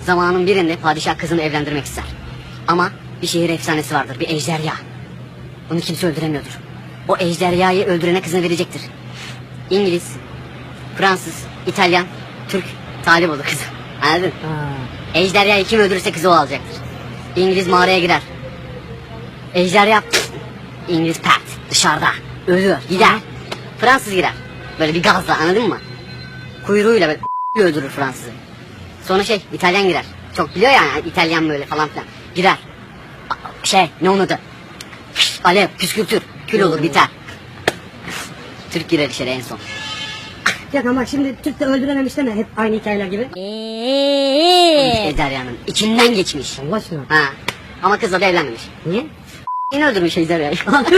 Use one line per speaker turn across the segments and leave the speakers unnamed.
Zamanın birinde padişah kızını evlendirmek ister. Ama bir şehir efsanesi vardır, bir ejderha. Bunu kimse öldüremiyordur. O ejderhayı öldürene kızını verecektir. İngiliz, Fransız, İtalyan, Türk talip olur kızı. Anladın? Ejderhayı kim öldürürse kızı o alacaktır. İngiliz mağaraya girer. Ejderha İngiliz pert dışarıda ölüyor gider. Fransız girer. Böyle bir gazla, anladın mı? Kuyruğuyla böyle öldürür Fransızı. Sonra İtalyan girer. Çok biliyor yani İtalyan böyle falan filan. Girer. Ne onun adı? Alev, püskürtür. Kül olur biter. Türk girer içeri en son.
Ya ama şimdi Türk de öldürememiş deme hep aynı hikayeler gibi.
Ejderhanın içinden geçmiş.
Allah aşkına.
Ha. Ama kızla da evlenmemiş.
Niye?
Yine öldürmüş ejderhayı.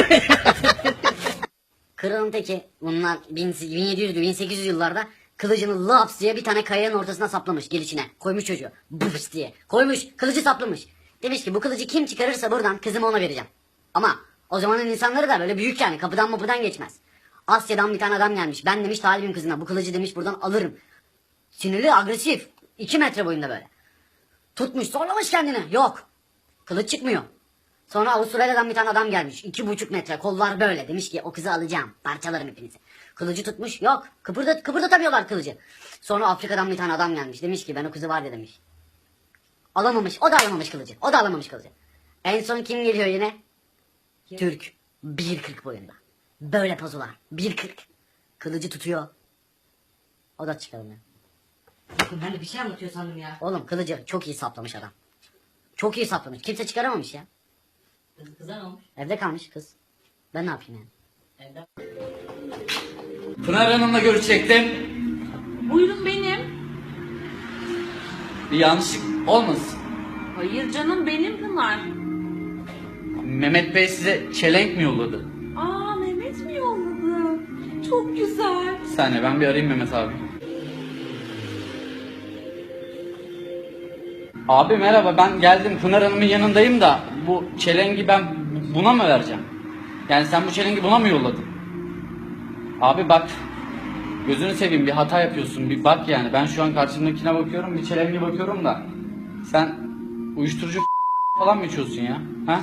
Kralın teki bunlar 1700-1800 yıllarda kılıcını laps diye bir tane kayanın ortasına saplamış gelişine. Koymuş çocuğu. Bıps diye. Koymuş kılıcı saplamış. Demiş ki bu kılıcı kim çıkarırsa buradan kızımı ona vereceğim. Ama o zamanın insanları da böyle büyük yani kapıdan mapıdan geçmez. Asya'dan bir tane adam gelmiş. Ben demiş talibim kızına bu kılıcı demiş buradan alırım. Sinirli agresif. 2 metre boyunda böyle. Tutmuş zorlamış kendini. Yok. Kılıç çıkmıyor. Sonra Avustralya'dan bir tane adam gelmiş. 2,5 metre kollar böyle. Demiş ki o kızı alacağım. Parçalarım hepinizi. Kılıcı tutmuş. Yok. Kıpırdatamıyorlar kılıcı. Sonra Afrika'dan bir tane adam gelmiş. Demiş ki ben o kızı var ya demiş. Alamamış. O da alamamış kılıcı. O da alamamış kılıcı. En son kim geliyor yine? Türk. 1,40 boyunda. Böyle pozular. 1,40. Kılıcı tutuyor. O da çıkarmıyor.
Bakın ben de bir şey anlatıyor sandım ya.
Oğlum kılıcı çok iyi saplamış adam. Çok iyi saplamış. Kimse çıkaramamış ya.
Kızlar olmuş.
Evde kalmış kız. Ben ne yapayım yani?
Evde.
Pınar Hanım'la görüşecektim.
Buyurun benim.
Bir yanlışlık olmasın.
Hayır canım benim Pınar.
Mehmet Bey size çelenk mi yolladı?
Aa Mehmet mi yolladı? Çok güzel.
Bir saniye ben bir arayayım Mehmet abi. Abi merhaba ben geldim Pınar Hanım'ın yanındayım da bu çelengi ben buna mı vereceğim? Yani sen bu çelengi buna mı yolladın? Abi bak gözünü seveyim bir hata yapıyorsun bir bak yani ben şu an karşımdakine bakıyorum bir çelengi bakıyorum da sen uyuşturucu falan mı içiyorsun ya? Ha?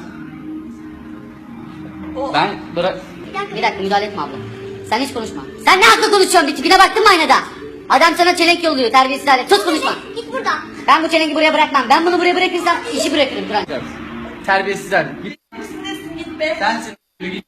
Ben bırak...
Bir dakika müdahale etme abla. Sen hiç konuşma. Sen ne hakla konuşuyorsun? Bir tipine baktın mı aynada? Adam sana çelenk yolluyor terbiyesiz hale. Sus konuşma. Git buradan. Ben bu çelengi buraya bırakmam. Ben bunu buraya bırakırsam işi bırakırım Kur'an.
Terbiyesizler. Git.
Git be.
Sensin. Git.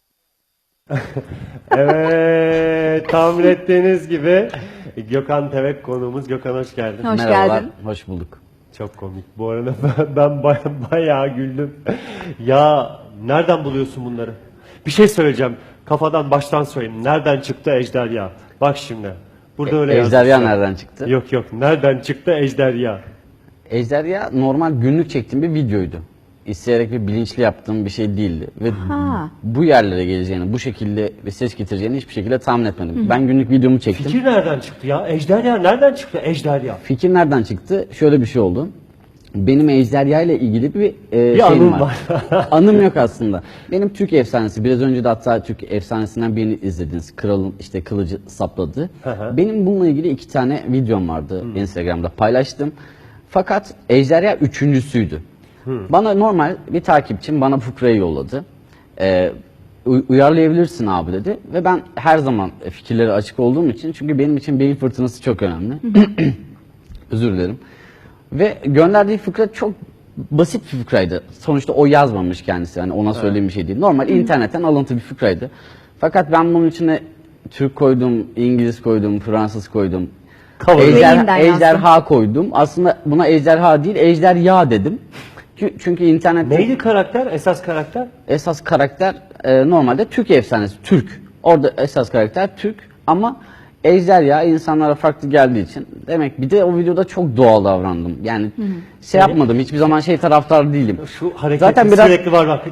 Evet, tahmin ettiğiniz gibi Gökhan Tevek konuğumuz. Gökhan hoş geldin.
Hoş
Merhabalar,
geldin.
hoş bulduk.
Çok komik. Bu arada ben bayağı güldüm. Ya nereden buluyorsun bunları? Bir şey söyleyeceğim. Kafadan baştan söyleyeyim. Nereden çıktı ejderha? Bak şimdi. Burada öyle
Ejderha
yazmışlar.
nereden çıktı?
Yok. Nereden çıktı ejderha?
Ejderha normal günlük çektiğim bir videoydu. İsteyerek ve bilinçli yaptığım bir şey değildi. Ve
Ha.
bu yerlere geleceğini, bu şekilde bir ses getireceğini hiçbir şekilde tahmin etmedim. Ben günlük videomu çektim.
Fikir nereden çıktı ya? Ejderha nereden çıktı ejderha?
Fikir nereden çıktı? Şöyle bir şey oldu. Benim ejderha ile ilgili bir şeyim
anım
var. Anım yok aslında. Benim Türk efsanesi, biraz önce de hatta Türk efsanesinden birini izlediniz. Kralın işte kılıcı sapladı.
hı.
Benim bununla ilgili 2 tane videom vardı. Instagram'da paylaştım. Fakat ejderha üçüncüsüydü. Bana normal bir takipçim bana fıkrayı yolladı. Uyarlayabilirsin abi dedi. Ve ben her zaman fikirleri açık olduğum için, çünkü benim için beyin fırtınası çok önemli. Özür dilerim. Ve gönderdiği fıkra çok basit bir fıkraydı. Sonuçta o yazmamış kendisi. Yani ona söylediğim bir şey değil. Normal internetten alıntı bir fıkraydı. Fakat ben bunun içine Türk koydum, İngiliz koydum, Fransız koydum.
Beyinden
Ejderha koydum. Aslında buna ejderha değil, ejderha dedim. Çünkü internette
Neydi karakter? Esas karakter?
esas karakter normalde Türk efsanesi. Türk. Orada esas karakter Türk ama ejderha insanlara farklı geldiği için demek, bir de o videoda çok doğal davrandım. Yani şey yapmadım. Hiçbir zaman şey taraftar değilim.
Şu hareket
Zaten biraz
sürekli var bak.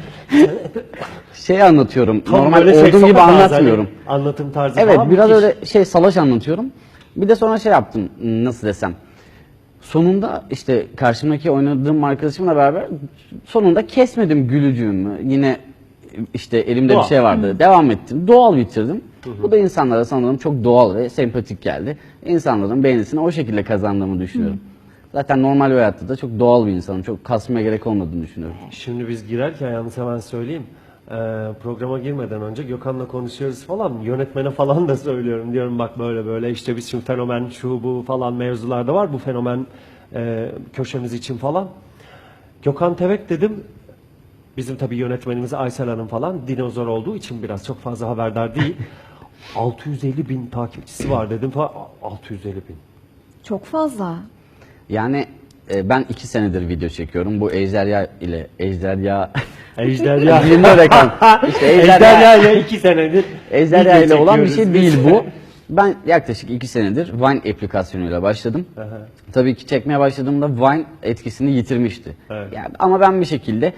şey anlatıyorum.
Tam
Normal
böyle
olduğum gibi
sokak ağzı,
anlatmıyorum.
hani anlatım tarzı
Evet,
falan
biraz
müthiş.
öyle salaş anlatıyorum. Bir de sonra şey yaptım, nasıl desem. Sonunda işte karşımdaki oynadığım arkadaşımla beraber sonunda kesmedim gülücüğümü. Yine işte elimde
Doğal.
bir şey vardı. Devam ettim. Doğal bitirdim. Bu da insanlara sanırım çok doğal ve sempatik geldi. İnsanların beğenisini o şekilde kazandığımı düşünüyorum. Zaten normal bir hayatta da çok doğal bir insanım. Çok kasmaya gerek olmadığını düşünüyorum.
Şimdi biz girerken yalnız hemen söyleyeyim. Programa girmeden önce Gökhan'la konuşuyoruz falan. Yönetmene falan da söylüyorum. Diyorum bak böyle böyle işte biz şimdi fenomen şu bu falan mevzularda var. Bu fenomen köşemiz için falan. Gökhan Tevek dedim. Bizim tabii yönetmenimiz Aysel Hanım falan dinozor olduğu için biraz çok fazla haberdar değil. 650 bin takipçisi var dedim falan. 650 bin.
Çok fazla.
Yani ben 2 senedir video çekiyorum. Bu Ejderha ile Ejderha
Ejderha.
Dilimde öyle kaldı. İşte
Ejderha ile 2 senedir
Ejderha
video
ile olan bir
çekiyoruz
şey
biz.
değil bu. Ben yaklaşık 2 senedir Vine aplikasyonuyla başladım. Tabii ki çekmeye başladığımda Vine etkisini yitirmişti.
Evet.
Yani, ama ben bir şekilde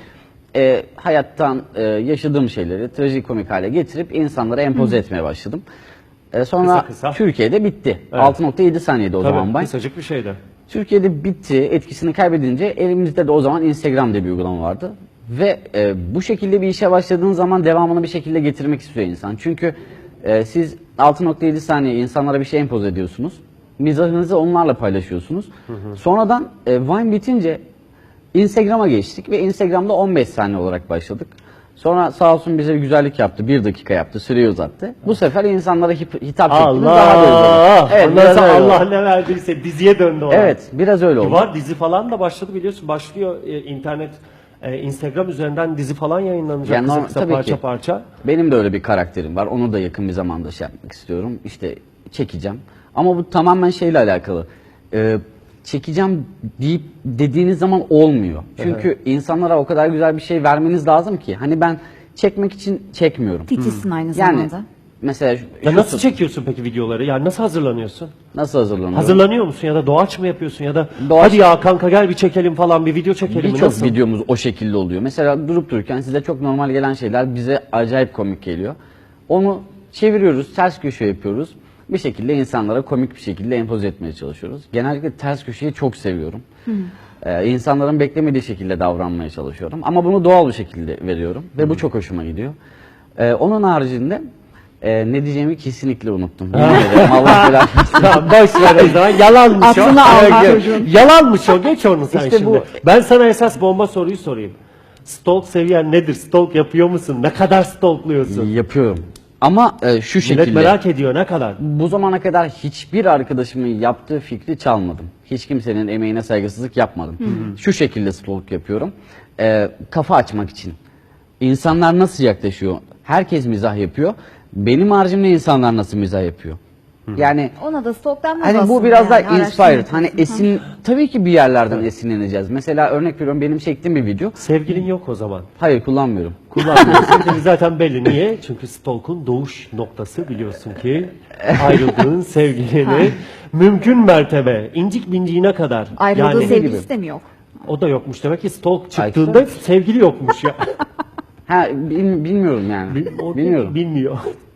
hayattan yaşadığım şeyleri trajikomik hale getirip insanlara empoze etmeye başladım. Sonra
Kısa.
Türkiye'de bitti.
Evet.
6.7 saniyede o zaman
Tabii
Vine.
kısacık bir şeydi.
Türkiye'de bitti, etkisini kaybedince elimizde de o zaman Instagram diye bir uygulama vardı. Ve bu şekilde bir işe başladığın zaman devamını bir şekilde getirmek istiyor insan. Çünkü siz 6.7 saniye insanlara bir şey empoze ediyorsunuz. Mizahınızı onlarla paylaşıyorsunuz. Sonradan Vine bitince Instagram'a geçtik ve Instagram'da 15 saniye olarak başladık. Sonra sağ olsun bize bir güzellik yaptı. 1 dakika yaptı, süreyi uzattı. Bu sefer insanlara hitap şeklimiz daha da
Allah!
uzadı. Evet,
Ondan
biraz
sonra
öyle
Allah
oldu.
ne verdiyse diziye döndü o.
Evet, biraz öyle oldu.
Var dizi falan da başladı biliyorsun. Başlıyor internet, Instagram üzerinden dizi falan yayınlanacak
Yani
kısa kısa
tabii
parça
ki.
parça.
Benim de öyle bir karakterim var. Onu da yakın bir zamanda şey yapmak istiyorum. İşte çekeceğim. Ama bu tamamen şeyle alakalı. Çekeceğim deyip dediğiniz zaman olmuyor. Çünkü insanlara o kadar güzel bir şey vermeniz lazım ki. Hani ben çekmek için çekmiyorum.
Titizsin aynı
Yani
zamanda.
mesela
Ya nasıl çekiyorsun peki videoları? Yani nasıl hazırlanıyorsun?
nasıl hazırlanıyorum?
Hazırlanıyor musun ya da doğaç mı yapıyorsun ya da
Doğaç-
hadi ya kanka gel bir çekelim falan bir video çekelim mi?
Birçok
Nasıl?
videomuz o şekilde oluyor. Mesela durup dururken size çok normal gelen şeyler bize acayip komik geliyor. Onu çeviriyoruz, ters köşe yapıyoruz. Bir şekilde insanlara komik bir şekilde empoze etmeye çalışıyoruz. Genellikle ters köşeyi çok seviyorum. İnsanların beklemediği şekilde davranmaya çalışıyorum. Ama bunu doğal bir şekilde veriyorum. Ve bu çok hoşuma gidiyor. Onun haricinde ne diyeceğimi kesinlikle unuttum. Yemin ederim Allah belanı versin.
Tamam boş ver o zaman. Yalanmış o.
Aklına al
Evet,
çocuğun.
Yalanmış o. Geç onu sen
İşte
şimdi.
bu-
Ben sana esas bomba soruyu sorayım. Stalk seviyen nedir? Stalk yapıyor musun? Ne kadar stalkluyorsun?
Yapıyorum. Ama şu
Millet
şekilde.
merak ediyor ne kadar?
Bu zamana kadar hiçbir arkadaşımın yaptığı fikri çalmadım. Hiç kimsenin emeğine saygısızlık yapmadım. Şu şekilde stalk yapıyorum. Kafa açmak için. İnsanlar nasıl yaklaşıyor? Herkes mizah yapıyor. Benim haricimde insanlar nasıl mizah yapıyor? Yani
Ona da stok denmez
hani
aslında
bu biraz da
yani,
inspired. Hani
araştırma.
tabii ki bir yerlerden esinleneceğiz. Mesela örnek veriyorum benim çektiğim bir video.
Sevgilin yok o zaman.
Hayır kullanmıyorum.
Kullanmıyorsun. Çünkü zaten belli. Niye? Çünkü stalk'un doğuş noktası biliyorsun ki ayrıldığın sevgilini mümkün mertebe incik binciğine kadar.
Ayrıldığı
yani,
sevgilisi de mi yok?
o da yokmuş demek ki stalk çıktığında sevgili yokmuş ya.
Ha bilmiyorum yani.
O
Bilmiyorum.
Bilmiyor.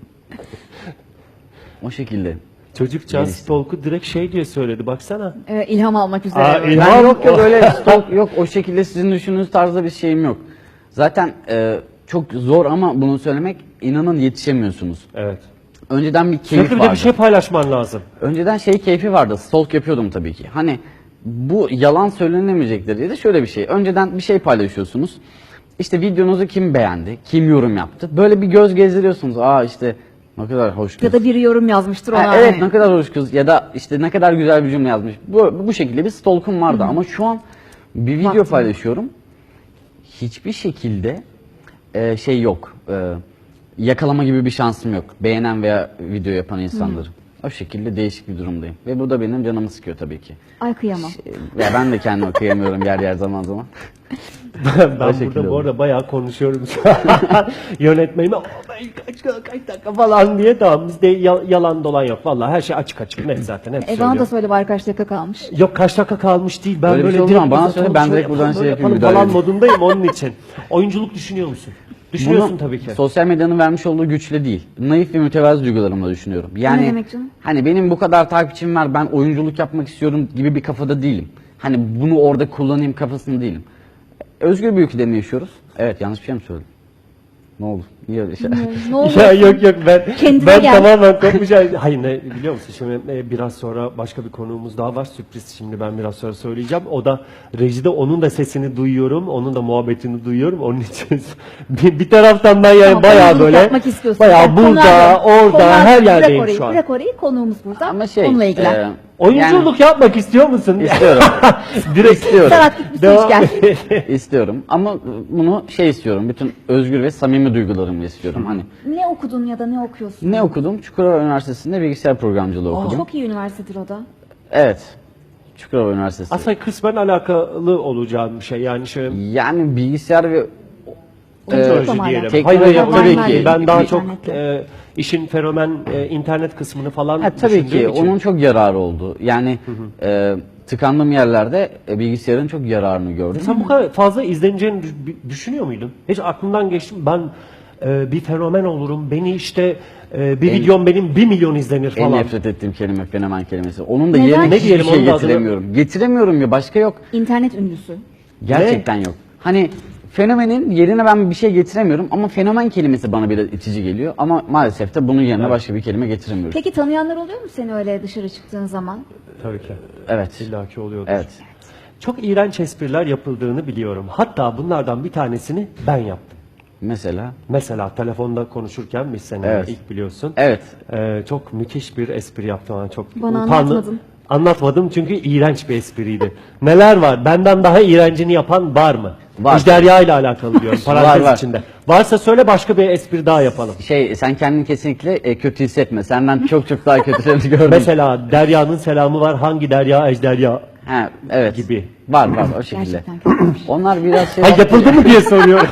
O şekilde.
Çocukcağız stalk'u direkt şey diye söyledi baksana.
İlham almak üzere.
Aa,
böyle.
ilham-
Ben yok öyle stalk yok o şekilde sizin düşündüğünüz tarzda bir şeyim yok. Zaten çok zor ama bunu söylemek inanın yetişemiyorsunuz.
Evet.
Önceden bir keyif
Sürekli bir de
vardı.
bir şey paylaşman lazım.
Önceden şey keyfi vardı. Stalk yapıyordum tabii ki. Hani bu yalan söylenemeyecektir diye de şöyle bir şey. Önceden bir şey paylaşıyorsunuz. İşte videonuzu kim beğendi, kim yorum yaptı. Böyle bir göz gezdiriyorsunuz. Aa işte ne kadar hoş kız.
Ya da biri yorum yazmıştır ona.
Ha, evet
hani.
ne kadar hoş kız ya da işte ne kadar güzel bir cümle yazmış. Bu şekilde bir stalk'um vardı ama şu an bir video
Vaktim.
paylaşıyorum. Hiçbir şekilde şey yok. Yakalama gibi bir şansım yok. Beğenen veya video yapan insanları. O şekilde değişik bir durumdayım. Ve bu da benim canımı sıkıyor tabii ki.
Ay kıyamam.
Ya ben de kendime kıyamıyorum yer zaman zaman.
Ben
şekilde
burada bu
oldu.
arada bayağı konuşuyorum şu an. Yönetmenime kaç dakika falan diye tamam bizde yalan dolan yok. Vallahi her şey açık açık net zaten hep
Bana da
söylüyorum.
söyle bari kaç dakika kalmış.
Yok kaç dakika kalmış değil. Ben
Öyle bir
böyle
şey oldu
direkt
ama bana
uzatalım,
söyle, ben
şöyle
direkt buradan
yapalım,
şey
böyle
yapayım,
yapalım
müdahale
falan
edeyim.
modundayım onun için. Oyunculuk düşünüyor musun? Düşünüyorsun
Bunu
tabii ki.
sosyal medyanın vermiş olduğu güçle değil. Naif ve mütevazı duygularımla düşünüyorum. Yani
Ne demek canım?
hani benim bu kadar takipçim var ben oyunculuk yapmak istiyorum gibi bir kafada değilim. Hani bunu orada kullanayım kafasında değilim. Özgür bir ülkede mi yaşıyoruz? Evet yanlış bir şey mi söyledim? Ne oldu? Niye öyle şey?
Ne olur.
Ya yok
Kendine
ben
gel.
tamamen kopmuş. Hayır ne biliyor musun şimdi biraz sonra başka bir konuğumuz daha var sürpriz şimdi ben biraz sonra söyleyeceğim. O da rejide onun da sesini duyuyorum. Onun da muhabbetini duyuyorum. Onun için bir taraftan ben yani
Tamam,
bayağı
konuğumuz
böyle
yapmak istiyorsun.
bayağı
Gel,
burada
konuğa dön.
orada
Konuğa
her
dön.
yerdeyim
Bırak orayı,
şu an.
Bırak orayı, konuğumuz burada.
Ama şey,
Onunla ilgilen.
Oyunculuk yapmak istiyor musun?
İstiyorum.
Direkt
İstiyorum.
Serhat git bir su
Devam-
iç gel.
İstiyorum ama bunu şey istiyorum. Bütün özgür ve samimi duygularımı istiyorum. Hani
Ne okudun ya da ne okuyorsun?
ne okudum? Çukurova Üniversitesi'nde bilgisayar programcılığı okudum.
Çok iyi üniversitedir o da.
Evet. Çukurova Üniversitesi.
Aslında kısmen alakalı olacağım bir şey yani şöyle
Yani bilgisayar ve
teknoloji
Tamam,
diyelim.
teknoloji
Hayır, hayır,
tabii
tabii
ki.
ki. Ben daha
Bir-
çok
İnternetle.
işin fenomen internet kısmını falan
tabii
düşündüğüm
ki
için.
onun çok yararı oldu. Yani tıkandığım yerlerde bilgisayarın çok yararını gördüm.
Sen bu kadar fazla izleneceğini düşünüyor muydun? Hiç aklımdan geçti mi? Ben bir fenomen olurum. Beni işte bir videom benim 1 milyon izlenir
En
falan.
nefret ettiğim kelime fenomen kelimesi. Onun da
Neden?
yerine
Ne
hiçbir
diyelim,
şey
onun da adını-
getiremiyorum. Getiremiyorum ya, başka yok.
İnternet ünlüsü.
Gerçekten yok. Hani fenomenin yerine ben bir şey getiremiyorum ama fenomen kelimesi bana biraz itici geliyor. Ama maalesef de bunun yerine başka bir kelime getiremiyorum.
Peki tanıyanlar oluyor mu seni öyle dışarı çıktığın zaman?
Tabii ki.
Evet.
İlla ki oluyordur.
Evet.
Çok iğrenç espriler yapıldığını biliyorum. Hatta bunlardan bir tanesini ben yaptım.
Mesela.
Mesela telefonda konuşurken biz seninle
Evet.
ilk biliyorsun.
Evet.
Çok müthiş bir espri yaptım. Yani çok
Bana
utandım.
anlatmadın.
Anlatmadım çünkü iğrenç bir espriydi. Neler var? Benden daha iğrencini yapan var mı?
Var.
Ejderha ile alakalı diyorum. Parantez
Var.
içinde. Varsa söyle başka bir espri daha yapalım.
Sen kendini kesinlikle kötü hissetme. Senden çok daha kötülerini gördüm.
Mesela Derya'nın selamı var. Hangi Derya? Ejderha.
Ha, evet.
Gibi.
Var o şekilde.
Gerçekten kötüymüş.
Onlar biraz şey
Ha yapıldı mı diye soruyorum.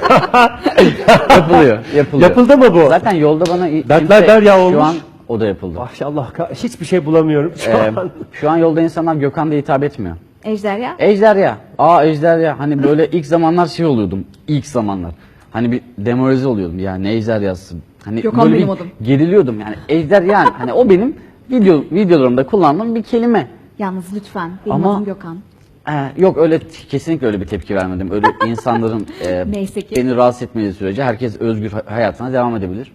yapılıyor.
Yapıldı mı bu?
Zaten yolda bana
Dertler derya olmuş.
Şu an o da yapıldı.
Maşallah hiçbir şey bulamıyorum şu an.
Şu an yolda insanlar Gökhan diye hitap etmiyor.
Ejderha.
Ejderha. Ejderha. Hani böyle ilk zamanlar şey oluyordum. İlk zamanlar. Hani bir demoralize oluyordum. Ya ne ejderhası. Hani
Gökhan
böyle
benim
bir
adım.
geriliyordum yani. Ejderha. Hani o benim videolarımda kullandığım bir kelime.
Yalnız lütfen. Benim
Ama-
adım Gökhan.
Yok öyle kesinlikle öyle bir tepki vermedim. Öyle insanların
Neyse ki.
beni rahatsız etmediği sürece herkes özgür hayatına devam edebilir.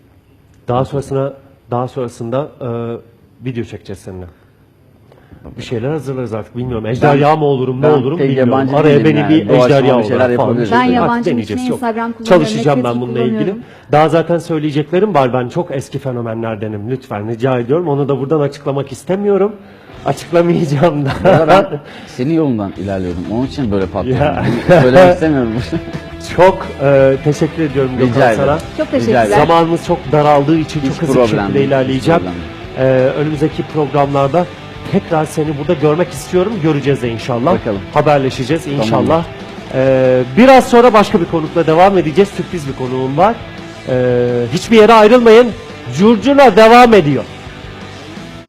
Daha sonrasında video çekeceğiz seninle. Bir şeyler hazırlarız artık bilmiyorum. Ejderha mı olurum ne
ben
olurum
pek
bilmiyorum.
yabancı
Araya
değilim
beni
yani.
bir
Doğaçlama
ejderha
bir şeyler
olarak falan.
yapabiliriz.
Ben
Artık
yabancı
deneyeceğiz.
için
Yok.
Instagram kullanıyorum.
Çalışacağım ben
Netflix
bununla ilgili.
kullanıyorum.
Daha zaten söyleyeceklerim var. Ben çok eski fenomenlerdenim. Lütfen rica ediyorum. Onu da buradan açıklamak istemiyorum. Açıklamayacağım da.
Ya ben senin yolundan ilerliyorum. Onun için böyle patlıyorum.
Ya.
Söylemek istemiyorum.
Çok teşekkür ediyorum
Rica
Gökhan
ederim.
sana.
Çok
Rica
teşekkürler.
ederim.
Zamanımız çok daraldığı için
Hiç
çok hızlı bir
problem
şekilde
değil,
ilerleyeceğim.
hiç problem
Önümüzdeki programlarda tekrar seni burada görmek istiyorum. Göreceğiz de inşallah.
Bakalım.
Haberleşeceğiz inşallah.
Tamamdır.
Biraz sonra başka bir konukla devam edeceğiz. Sürpriz bir konuğum var. Hiçbir yere ayrılmayın. Curcuna devam ediyor.